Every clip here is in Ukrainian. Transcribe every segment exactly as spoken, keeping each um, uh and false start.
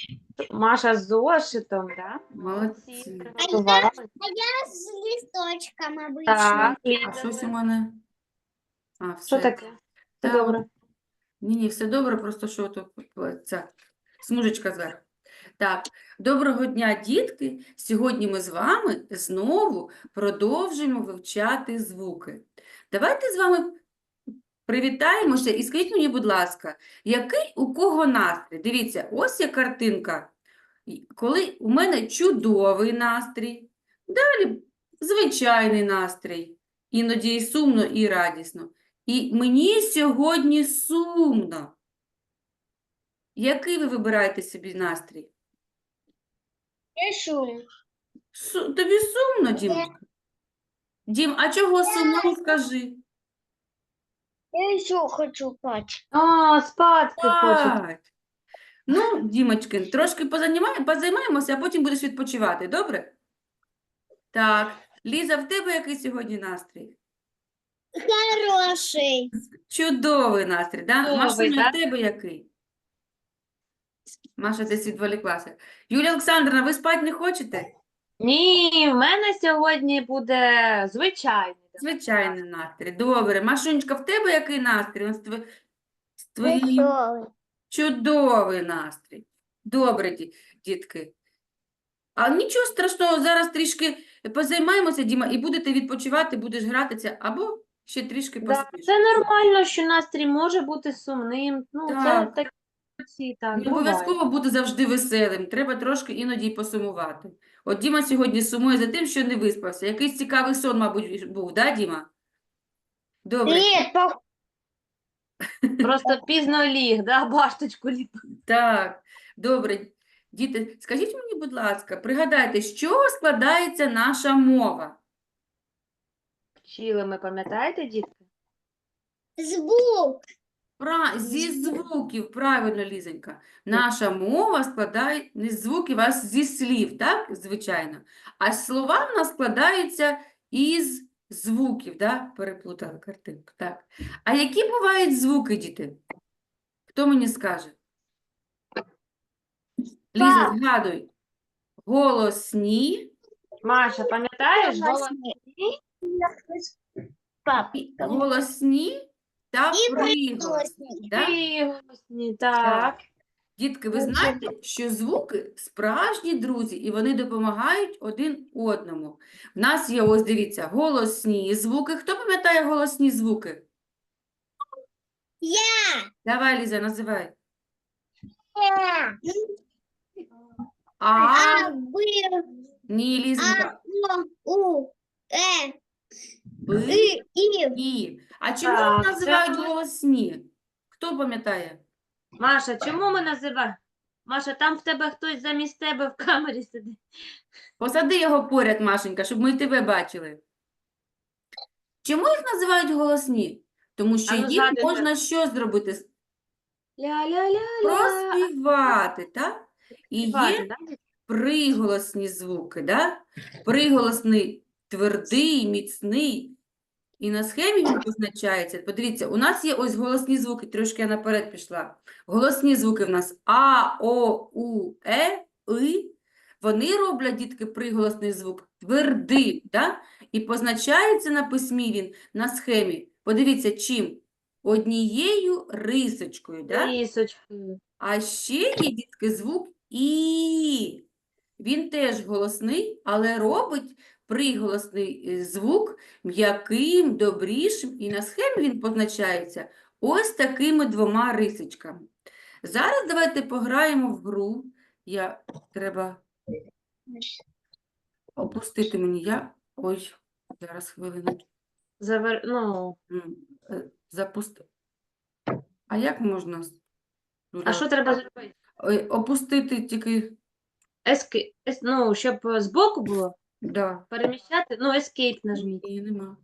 Маша з зошитом, да? Молодці. Приготували. А я с листочком обычно. Так, А Ліза, щось ви- у мене? А, Що все. таке? Все Та, добре. Ні, ні, все добре, просто що тут ця смужечка зверху. Так, доброго дня, дітки! Сьогодні ми з вами знову продовжуємо вивчати звуки. Давайте з вами привітаємося і скажіть мені, будь ласка, який у кого настрій? Дивіться, ось є картинка. І коли у мене чудовий настрій, далі звичайний настрій, іноді і сумно, і радісно. І мені сьогодні сумно. Який ви вибираєте собі настрій? Решу. Су- Тобі сумно, Дімочка? Дім, а чого сумно, скажи? Я еще хочу спать. А, спадки хочуть. Спать. Ну, Дімочки, трошки позанімаємо- позаймаємося, а потім будеш відпочивати, добре? Так, Ліза, в тебе який сьогодні настрій? Хороший. Чудовий настрій, да? Чудовий, Машуня, да? в тебе який? Маша десь відволіклася. Юлія Олександрівна, ви спати не хочете? Ні, в мене сьогодні буде звичайний. да. Звичайний настрій. Добре. Машунечка, в тебе який настрій? Ось тво- з твоїм Веселый. чудовий настрій. Добре, ді- дітки. А нічого страшного, зараз трішки позаймаємося, Діма, і будете відпочивати, будеш гратися, або ще трішки Да, поспиш. це нормально, що настрій може бути сумним. Ну, це Так. так, всі так, Не буває. обов'язково бути завжди веселим, треба трошки іноді й посумувати. От Діма сьогодні сумує за тим, що не виспався. Якийсь цікавий сон, мабуть, був, да, Діма? Добре. Нет, пох- Просто пізно ліг, да, башточку ліг. Так, добре. Діти, скажіть мені, будь ласка, пригадайте, з чого складається наша мова? Вчили ми, пам'ятаєте, дітки? звук. Пра... Зі звуків, правильно, Лізонька. Наша мова складає не з звуків, а зі слів, так, звичайно. А слова в нас складаються із звуків, да? Переплутала картинку, так. А які бувають звуки, діти? Хто мені скаже? Ліза, Так. згадуй. Голосні. Маша, пам'ятаєш? Голосні. Пап. І- Голосні та І приголосні. приголосні. Да? Приголосні, так. Дітки, ви знаєте, що звуки справжні друзі, і вони допомагають один одному. В нас є, ось дивіться, голосні звуки. Хто пам'ятає голосні звуки? Я. Давай, Ліза, називай. Э. А, А, Б, ні, А, Лізонька, О, У, Э, Б, И, И. І. А чому Так, їх називають це- голосні? Хто пам'ятає? Маша, чому ми називаємо? Маша, там в тебе хтось замість тебе в камері сидить. Посади його поряд, Машенька, щоб ми й тебе бачили. Чому їх називають голосні? Тому що А ну, їх згадуйте. можна що зробити? Ля-ля-ля-ля. Проспівати, так? І Співати, є да, дітки? приголосні звуки, да? Приголосний твердий, міцний. І на схемі він позначається. Подивіться, у нас є ось голосні звуки, трошки я наперед пішла. Голосні звуки в нас А, О, У, Е, И. Вони роблять, дітки, приголосний звук твердий, да? І позначається на письмі він на схемі. Подивіться, чим? Однією рисочкою, да? Лісочкою. А ще є, дітки, звук І. Він теж голосний, але робить приголосний е, звук м'яким, добрішим, і на схемі він позначається ось такими двома рисочками. Зараз давайте пограємо в гру. Я треба опустити мені. Я. Ой, зараз хвилину. Завер... Ну, М, е, Запусти. А як можна? з- а що треба зробити? Ой, опустити тільки. Ески... ес- Ну, щоб е, збоку було Да. переміщати, ну, escape нажміть. Ні, нема.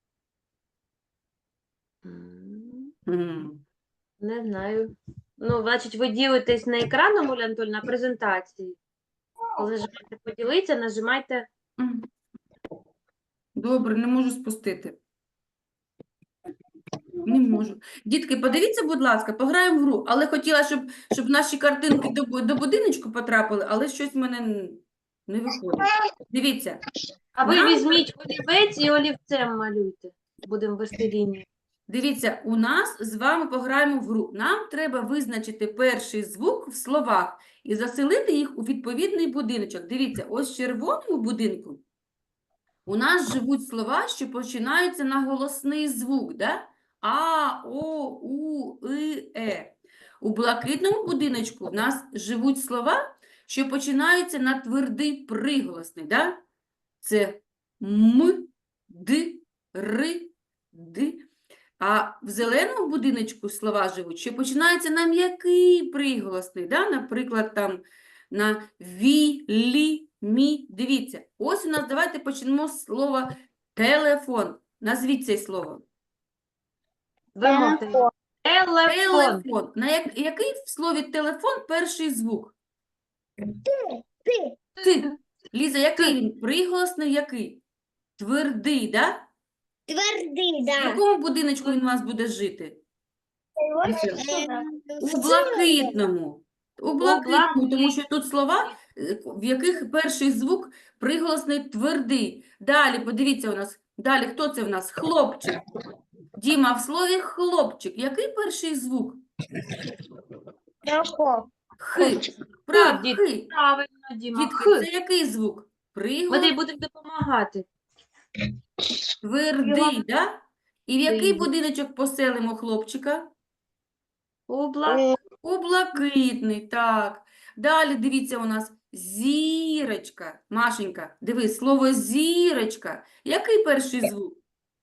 М, М. Не знаю. Ну, значить, ви ділитесь на екраном, Оля Анатольовна, на презентації. Коли нажимаєте поділитися, нажимайте. М. Добре, не можу спустити. Не можу. Дітки, подивіться, будь ласка, пограємо в гру. Але хотіла, щоб, щоб наші картинки до, бу- до будиночку потрапили, але щось в мене н- не виходить. Дивіться, А ви нам, візьміть олівець і олівцем малюйте. Будемо вести лінію. дивіться, у нас з вами пограємо в гру. Нам треба визначити перший звук в словах і заселити їх у відповідний будиночок. Дивіться, ось в червоному будинку у нас живуть слова, що починаються на голосний звук, да? А, О, У, И, Е. У блакитному будиночку в нас живуть слова, що починаються на твердий приголосний, да? Це М, Д, Р, Д. А в зеленому будиночку слова живуть, що починаються на м'який приголосний, да? Наприклад, там на ві, лі, мі. Дивіться, ось у нас, давайте почнемо з слова телефон. Назвіть це слово. Вимовте. Телефон. Телефон. Телефон. На як, який в слові телефон перший звук? Ти. Ти. Ліза, який він? Приголосний який? Твердий, да? Твердий, В да. якому будиночку він у вас буде жити? Е, У блакитному. У блакитному, тому що тут слова, е, в яких перший звук приголосний твердий. Далі, подивіться у нас, далі, хто це в нас? Хлопчик. Діма, в слові хлопчик. Який перший звук? Тако. Хи. Прав, дітки. хи. Правильно, Діма. Дітки, Х. це який звук? Ми Приголос тобі будемо допомагати. твердий, да? І в який Твердий. будиночок поселимо хлопчика? Обла... У блакитний, так. Далі, дивіться, у нас зірочка. Машенька, дивись, слово зірочка. Який перший звук?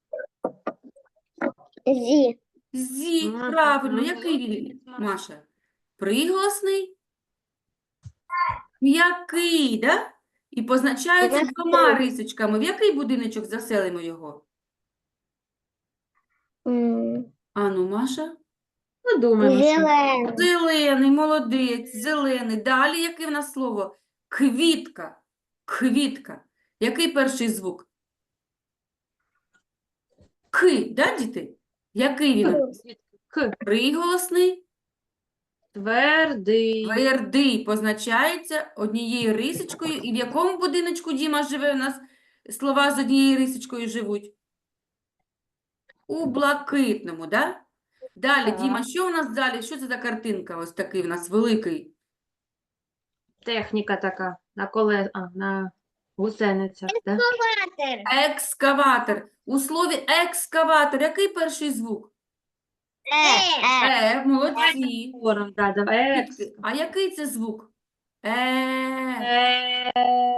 Зі. Зі, Мгм. правильно. Мгм. Який він, Маша? Приголосний? М'який, да? І позначається М'який. двома рисочками. В який будиночок заселимо його? М, Ану, Маша? Ну, думаємо, що. Зелений. Зелений, молодець, зелений. Далі яке в нас слово? Квітка. Квітка. Який перший звук? Ки, да, діти? Який він? у нас? Х. Приголосний, Твердий. твердий, позначається однією рисочкою. І в якому будиночку, Діма, живе у нас? Слова з однією рисочкою живуть? У блакитному, да? Далі, Так. Діма, що у нас далі? Що це за картинка? Ось такий у нас великий. Техніка така. На коле... а, на гусеницях. Да? Ватер. Екскаватор. У слові екскаватор який перший звук? Е. Е, молодці. Говором, да, давай. Екс. Дітки, а який це звук? Е. Е,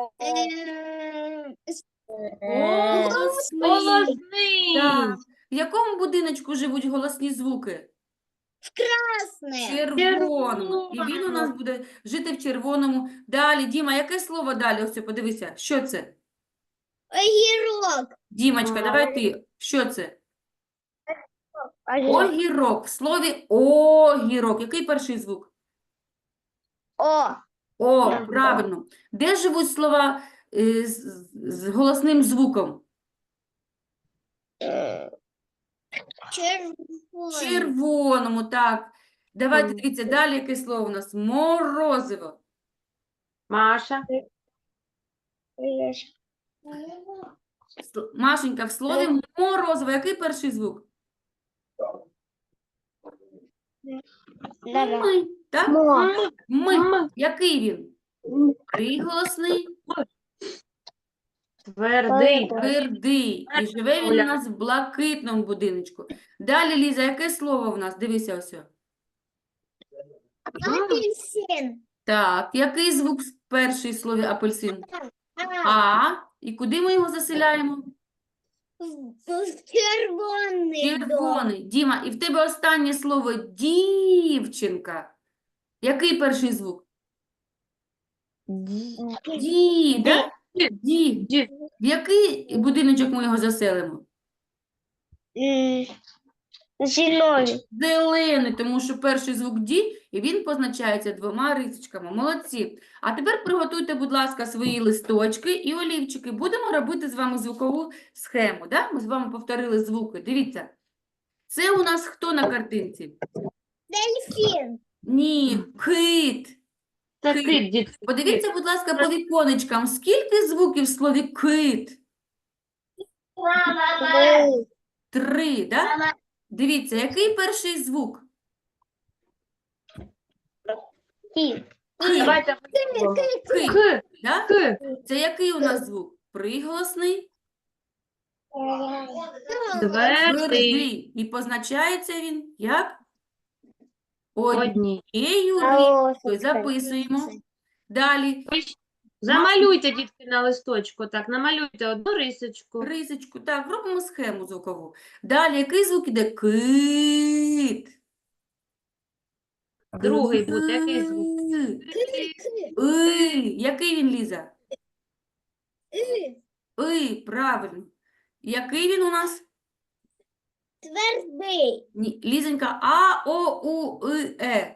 Е. Голосний. Голосний. Так. В якому будиночку живуть голосні звуки? Красне. Червоному. І він у Червоному. нас буде жити в червоному. Далі, Діма, яке слово далі? Ось, подивися, що це? Огірок. Дімочка, А. давай ти. Що це? Огірок. Огірок. В слові огірок. Який перший звук? О. О, Мгм. правильно. Де живуть слова е, з, з- з голосним звуком? Червоний. Червоному, так. Давайте Мгм. дивіться, далі яке слово у нас? Морозиво. Маша. С- Машенька, в слові морозиво, який перший звук? Давай. Ми, так? Мо. Ми. М. Який він? Приголосний, Твердий. твердий. І живе він у нас в блакитному будиночку. Далі, Ліза, яке слово в нас? Дивися ось. Апельсин. Так, який звук в першій слові апельсин? А. А. І куди ми його заселяємо? Червоний. дом. Червоний. Діма, і в тебе останнє слово дівчинка. Який перший звук? Ді, да? Ді. Ді. В який будиночок ми його заселимо? М, Зелений. Зелений, тому що перший звук ді, і він позначається двома рисочками. Молодці. А тепер приготуйте, будь ласка, свої листочки і олівчики. Будемо робити з вами звукову схему. Да? Ми з вами повторили звуки. Дивіться. Це у нас хто на картинці? Дельфин. Ні, кит. Це Кит. кит, дітки. Подивіться, будь ласка, по віконечкам. Скільки звуків в слові кит? Вы. Три, да? Дивіться, який перший звук? Кит. Кит. Давайте Кит, К, да? К. Це який у нас звук? Приголосний, Твердий. твердий. І позначається він як? Одні. Однією рисочкою. Записуємо. Далі. Ви ж Замалюйте, дітки, на листочку. Так, намалюйте одну рисочку. Рисочку. Так, робимо схему звукову. Далі, який звук іде? Кит. Другий буде, який звук? И. Який він, Ліза? И. И, правильно. Який він у нас? Твердый. Ні, Лізенька, А, О, У, И, Е.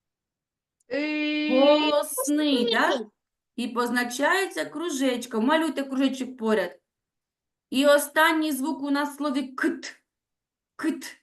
Голосний, так? І позначається кружечком. Малюйте кружечок поряд. І останній звук у нас в слові кит. Кит.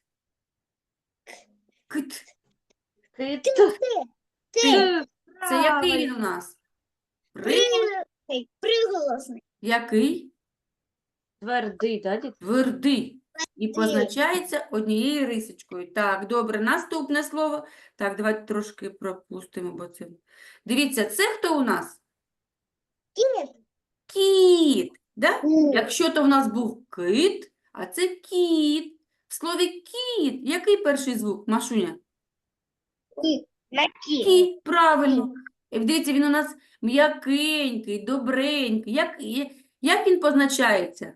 Кит. Кит. Ты. Це який він у нас? При... Приголосный. Приголосный. Який? Твердий, так, дітки? Твердий. І позначається однією рисочкою. Так, добре. Наступне слово. Так, давайте трошки пропустимо, бо це... Дивіться, це хто у нас? Кит. Кіт. Да? Якщо то в нас був кит, а це кіт. В слові кіт. Який перший звук, Машуня? На кит. Кіт, правильно. І дивіться, він у нас м'якенький, добренький. Як, я- як він позначається?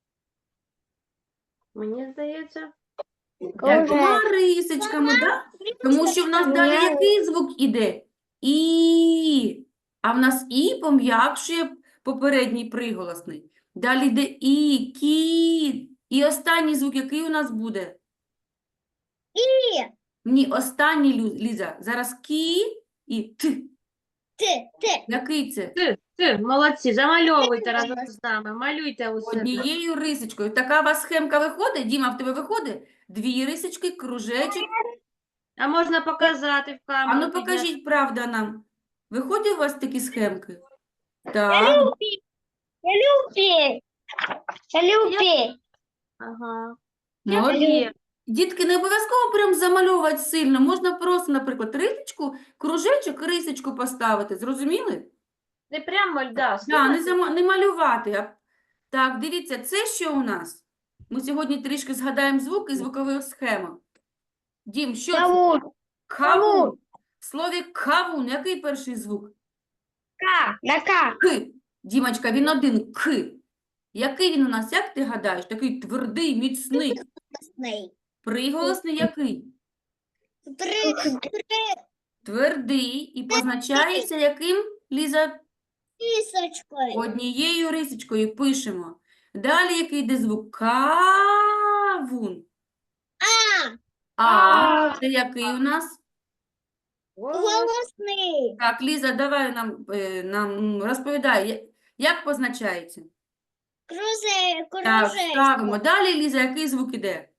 Мені здається. Двома рисочками, да? Тому що в нас далі який звук іде? І. А в нас і пом'якшує попередній приголосний. Далі йде і, кіт. І останній звук, який у нас буде? И. Ні, останній, Лю- Ліза. Зараз кі і т. Ты. Ты. Який це? Ти, ти, молодці, замальовуйте разом з нами. Малюйте у себе. Однією рисочкою. Така у вас схемка виходить? Діма, в тебе виходить? Дві рисочки, кружечок. А можна показати в А камеру? ну підняти? покажіть, правда, нам. Виходять у вас такі схемки? Так. Я люблю. Я люблю. Ага. Молодці. Є. Дітки, не обов'язково прям замальовувати сильно. Можна просто, наприклад, рисочку, кружечок і рисочку поставити. Зрозуміли? Не прямо льда. Да, не, зама... не малювати. А... Так, дивіться, це що у нас? Ми сьогодні трішки згадаємо звук і звукову схему. Дім, що це? Кавун. Кавун. В слові кавун, який перший звук? К. На К. К. Дімочка, він один К. Який він у нас, як ти гадаєш? Такий твердий, міцний. Красный. Приголосний який? При. При. Твердий і позначається яким, Ліза? Рисочкой. Однією рисочкою пишемо. Далі який йде звук? Кавун. А. А, це який у нас? Голосный. Так, Ліза, давай нам, е, нам розповідай, я- як позначається? Крузе. Так, Кружечко. ставимо. Далі, Ліза, який звук іде?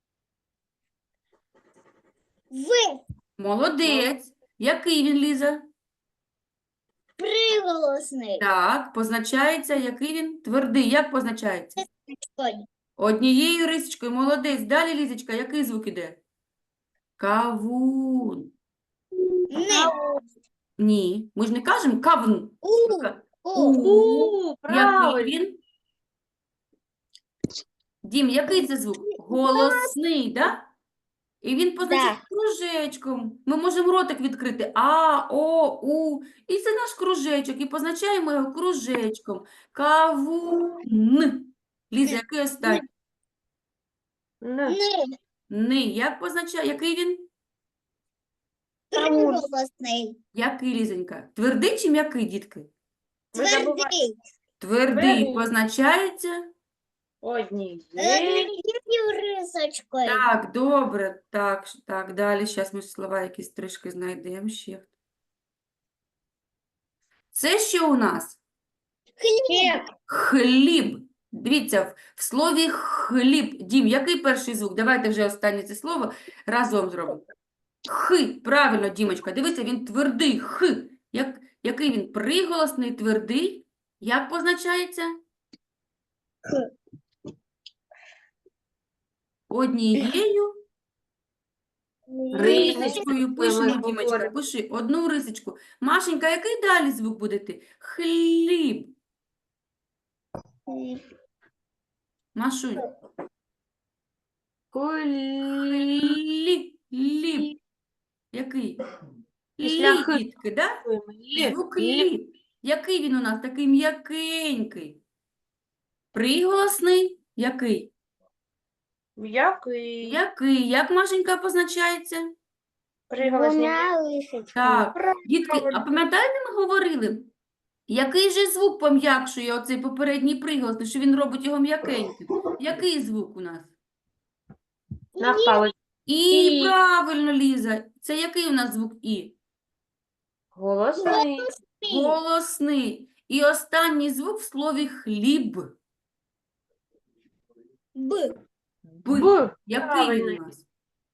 В. Молодець. Який він, Ліза? Приголосный. Так, позначається, який він? Твердий. Як позначається? Ой. Однією рисочкою. Молодець. Далі, Лізочка, який звук іде? Кавун. Не. Ні, ми ж не кажемо кавун. У. Ка- У. У. У, Який правильно. він? Дім, який це звук? Голосний, да? І він позначається кружечком. Ми можемо ротик відкрити. А, О, У. І це наш кружечок. І позначаємо його кружечком. Кавун. Ліза, який останній? Н. Не. Ни. Як позначає? Який він? Приголосный. Який, Лізонька? Твердий чи м'який, дітки? Ви забуваєте. Твердый. Твердий Твердий. позначається. Однією. Однією рисочкою. Так, добре. Так, ш- так, далі. Зараз ми слова якісь трішки знайдемо ще. Це що у нас? Хліб. Хліб. Дивіться, в, в слові хліб. Дім, який перший звук? Давайте вже останнє це слово разом зробимо. Х. Правильно, Дімочка. Дивіться, він твердий. Х. Як, який він? Приголосний, твердий. Як позначається? Х. Однією Рисочкою рисочкою ми пишемо, Дімочка. говоримо. Пиши одну рисочку. Машенька, який далі звук буде йти? Хліб. Машунь. Кулі. Лі, ліп. Який? Після Лі, «х». дітки, да? Лі. Звук Лі. ліп. Який він у нас? Такий м'якенький. Приголосний? Який? М'який. Який? Як, Машенька, позначається? Приголосний. Двумя лисочками. Так. Дітки, а пам'ятаєте, ми говорили, який же звук пом'якшує оцей попередній приголосний, що він робить його м'якеньким? Який звук у нас? Навпало. І, І. правильно, Ліза. Це який у нас звук І? Голосний. Голосний. І останній звук в слові хліб. Б. Б. Б. Який правильно. він у нас?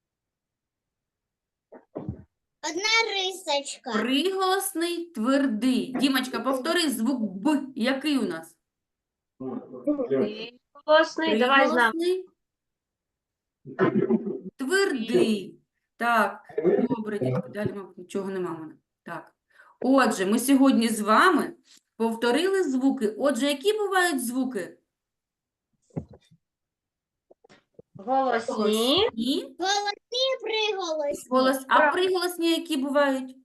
Одна рисочка. Приголосний, твердий. Дімочка, повтори звук Б. Який у нас? Голосний. Давай з нами. Приголосний, твердий. Так, добре, дітки, далі, мабуть, нічого нема в мене. Так. Отже, ми сьогодні з вами повторили звуки. Отже, які бувають звуки? Голосні. Голосні. Голосні приголосні. Голос... А Правильно. приголосні які бувають?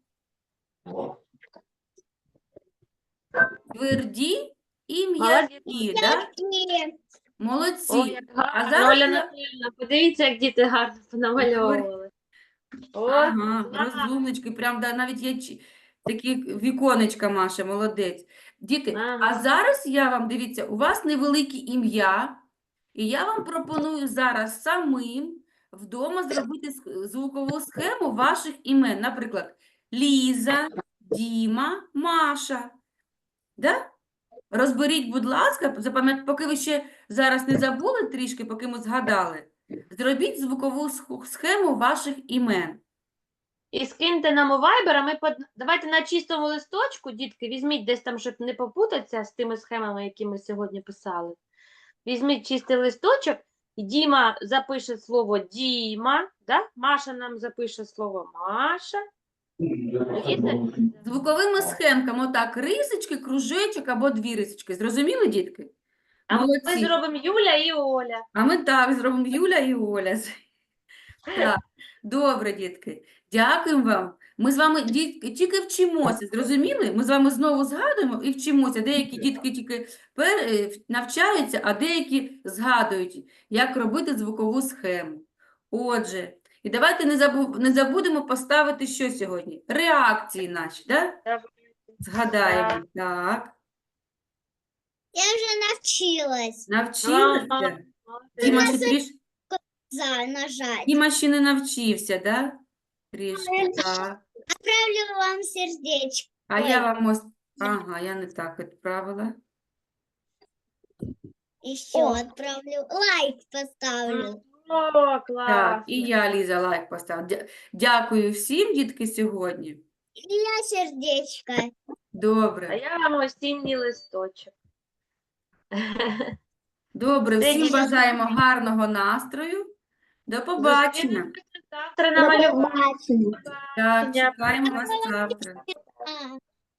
Тверді і м'які, да? Ні. Молодці. Ой, як А гарно. зараз Оля я- Анатоліївна, подивіться, як діти гарно понамальовували. О, Ага, клас. розумнички, прям да, навіть є чи- такі віконечка, Маша, молодець. Діти, а Ага. зараз я вам, дивіться, у вас невелике ім'я, і я вам пропоную зараз самим вдома зробити сх- звукову схему ваших імен. Наприклад, Ліза, Діма, Маша. Да? Розберіть, будь ласка, запам'ят... поки ви ще зараз не забули трішки, поки ми згадали, зробіть звукову сх- схему ваших імен. І скиньте нам у Viber, а ми под... давайте на чистому листочку, дітки, візьміть десь там, щоб не попутатися з тими схемами, які ми сьогодні писали. Візьміть чистий листочок, і Діма запише слово Діма, да? Маша нам запише слово Маша. Діти? Звуковими схемками, отак, рисочки, кружечок або дві рисочки. Зрозуміли, дітки? А ми Молодці. зробимо Юля і Оля. А ми так зробимо Юля і Оля. Так, добре, дітки. Дякуємо вам. Ми з вами, дітки, тільки вчимося, зрозуміли? Ми з вами знову згадуємо і вчимося. Деякі дітки тільки пер... е, навчаються, а деякі згадують, як робити звукову схему. Отже, і давайте не, забу... не забудемо поставити що сьогодні? Реакції наші, да? Давай. Згадаємо. Так, Я вже навчилась навчилися? Ага. Діма ще трішки. за нажать. Діма ще не навчився, да? Трішки, так. Отправлю вам сердечко. А я вам ось... Ага, я не так відправила. Еще О. отправлю. Лайк поставлю. О, клас. Так, і я, Ліза, лайк поставила. Дя- Дякую всім, дітки, сьогодні. И я сердечко. А Добре. я вам осінній листочок. Добре, Все, всім дітки. бажаємо гарного настрою. До побачення. Завтра намалюємо. Побачення. Так, чекаємо вас завтра. А.